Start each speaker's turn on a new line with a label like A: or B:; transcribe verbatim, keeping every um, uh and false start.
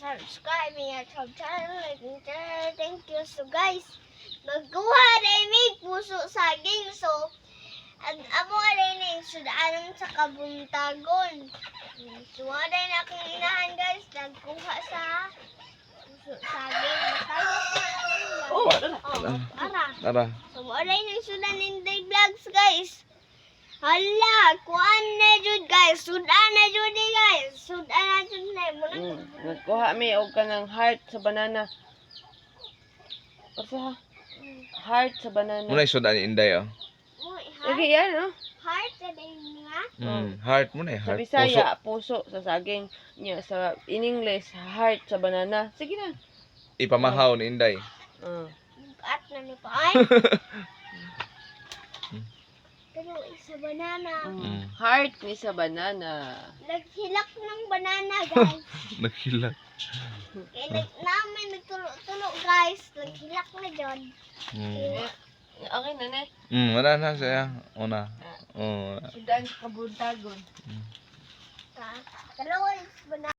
A: subscribe me at our channel and share. Thank you. So guys, magkuha rin may puso saging. So, at amo rin yung sudanan sa kabuntagon. So, rin akong inahan guys, nagkuha sa puso saging.
B: Oh,
A: Oh, para.
B: Tara.
A: So, rin yung sudan in the vlogs guys. Hala, kuan na jud guys. Sudan na jud eh, guys. Sudan na jud na. Muna
C: Mm, nagkuha mi og kanang heart sa banana. Asa ha? Heart sa banana.
B: Muna isudan ni Inday, oh.
A: Uy,
C: Sige
A: heart.
C: yan, oh.
A: Heart sa din nga.
B: Mm, heart muna eh,
C: Sa
B: heart.
C: Bisaya, puso. sa saging. Nya sa in English, heart sa banana. Sige na.
B: Ipamahaw ni Inday.
C: Uh.
A: At na ni pa ay. Pero isa banana.
B: Mm.
C: Heart ni sa banana.
A: Naghilak ng banana guys.
B: Naghilak.
A: Kaya nag namin nagtulo-tulo guys. Naghilak na jud.
B: Mm.
C: Okay na ne.
B: Mm, wala na siya. Una. Oh.
C: Sudan kabuntagon.
A: Dalawa is banana.